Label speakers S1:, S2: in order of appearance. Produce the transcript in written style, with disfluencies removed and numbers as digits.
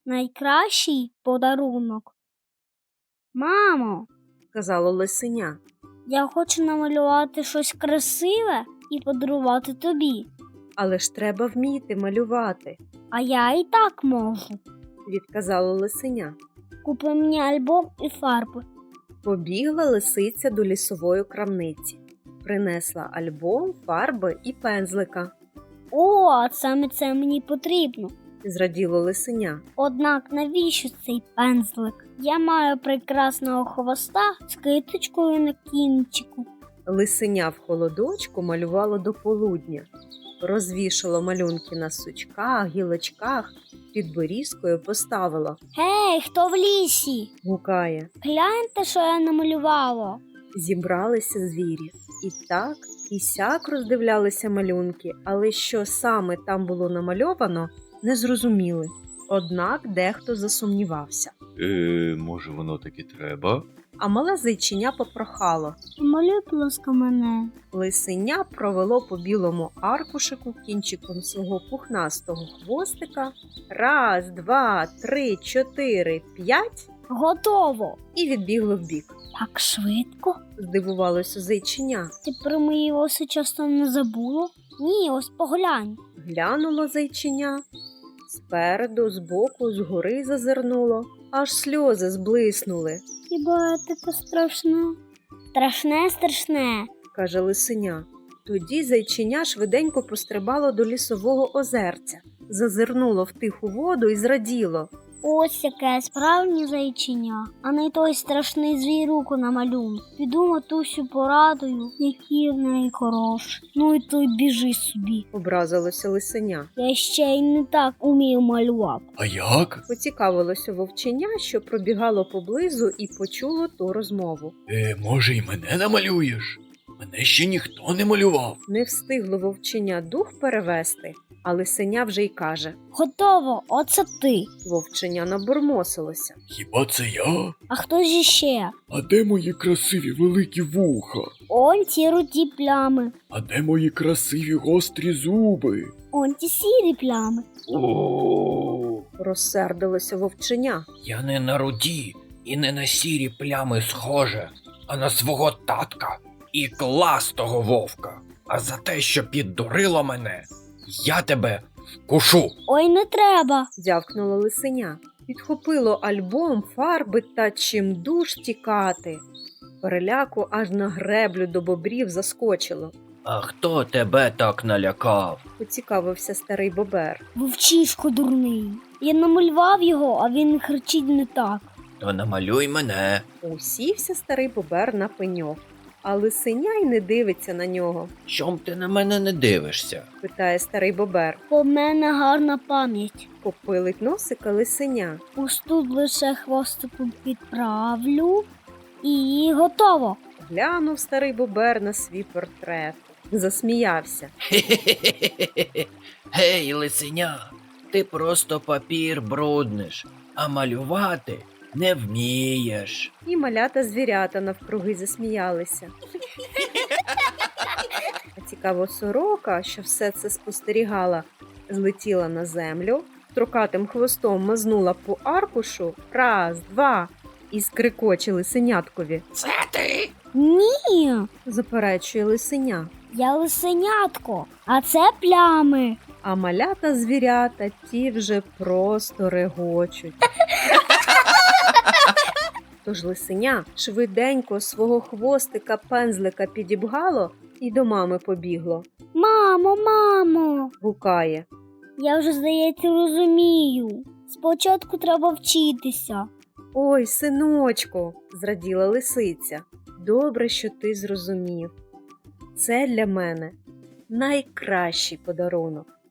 S1: Найкращий подарунок. Мамо,
S2: казало лисеня.
S1: я хочу намалювати щось красиве і подарувати тобі.
S2: Але ж треба вміти малювати,
S1: А я і так можу.
S2: відказало лисеня.
S1: Купи мені альбом і фарби.
S2: Побігла лисиця до лісової крамниці. Принесла альбом, фарби і пензлика.
S1: О, саме це мені потрібно.
S2: Зраділо лисеня.
S1: Однак навіщо цей пензлик? Я маю прекрасного хвоста з киточкою на кінчику.
S2: Лисеня в холодочку малювало до полудня. Розвішало малюнки на сучках, гілочках, під берізкою поставило.
S1: Гей, хто в лісі?
S2: Гукає.
S1: Гляньте, що я намалювала.
S2: Зібралися звірі. І так, і сяк роздивлялися малюнки, але що саме там було намальовано, не зрозуміли. Однак дехто засумнівався.
S3: Може воно таки треба?
S2: А мале зайчиня попрохало.
S1: Малюй, будь ласка, мене.
S2: Лисеня провело по білому аркушику кінчиком свого пухнастого хвостика. 1, 2, 3, 4, 5
S1: Готово.
S2: і відбігло вбік.
S1: Так швидко?
S2: Здивувалося зайчиня.
S1: Ти про мої оси часто не забула? Ні, ось поглянь.
S2: Глянуло зайчиня. Спереду, збоку, згори зазирнуло. Аж сльози зблиснули,
S1: Хіба таке страшне? Страшне.
S2: каже лисеня. Тоді зайчиня швиденько пострибало до лісового озерця. Зазирнуло в тиху воду і зраділо.
S1: Ось яке справжнє зайчиня, а не той страшний звіруку на малюнку. Піду матусю порадую, які в неї хороші. Ну і той біжи собі.
S2: Образилося лисеня.
S1: Я ще й не так умію малювати.
S3: А як?
S2: Поцікавилося вовченя, що пробігало поблизу і почуло ту розмову.
S3: Може й мене намалюєш? Мене ще ніхто не малював.
S2: Не встигло вовченя дух перевести, а лисеня вже й каже.
S1: Готово, оце ти.
S2: Вовченя набурмосилося.
S3: Хіба це я?
S1: А хто ж іще?
S3: А де мої красиві великі вуха?
S1: Он ті руді плями,
S3: А де мої красиві гострі зуби?
S1: он ті сірі плями.
S3: О,
S2: Розсердилося вовченя.
S4: Я не на руді і не на сірі плями схоже, а на свого татка і кластого вовка. А за те, що піддурило мене, я тебе вкушу.
S1: Ой, не треба.
S2: Дзявкнуло лисеня. Підхопило альбом, фарби та чимдуж тікати. Переляку аж на греблю до бобрів заскочило.
S4: А хто тебе так налякав?
S2: Поцікавився старий бобер.
S1: Вовчишко дурний. Я намалював його, а він кричить не так.
S4: То намалюй мене.
S2: Усівся старий бобер на пеньок, а лисеня й не дивиться на нього.
S4: Чом ти на мене не дивишся?
S2: Питає старий бобер.
S1: У мене гарна пам'ять.
S2: Попилить носика лисеня.
S1: Ось тут лише хвостиком підправлю і готово.
S2: Глянув старий бобер на свій портрет. Засміявся.
S4: Хе-хе-хе-хе-хе. Гей, лисеня, ти просто папір брудниш, а малювати не вмієш.
S2: І малята звірята навкруги засміялися. А цікаво, сорока, що все це спостерігала, злетіла на землю, строкатим хвостом мазнула по аркушу, 1, 2, і скрикоче лисеняткові.
S4: Це ти?
S1: Ні,
S2: Заперечує лисеня.
S1: я лисенятко, а це плями.
S2: А малята звірята ті вже просто регочуть. Тож лисеня швиденько свого хвостика пензлика підібгало і до мами побігло.
S1: Мамо,
S2: Гукає.
S1: я вже, здається, розумію. Спочатку треба вчитися.
S2: Ой, синочку, зраділа лисиця. Добре, що ти зрозумів. Це для мене найкращий подарунок.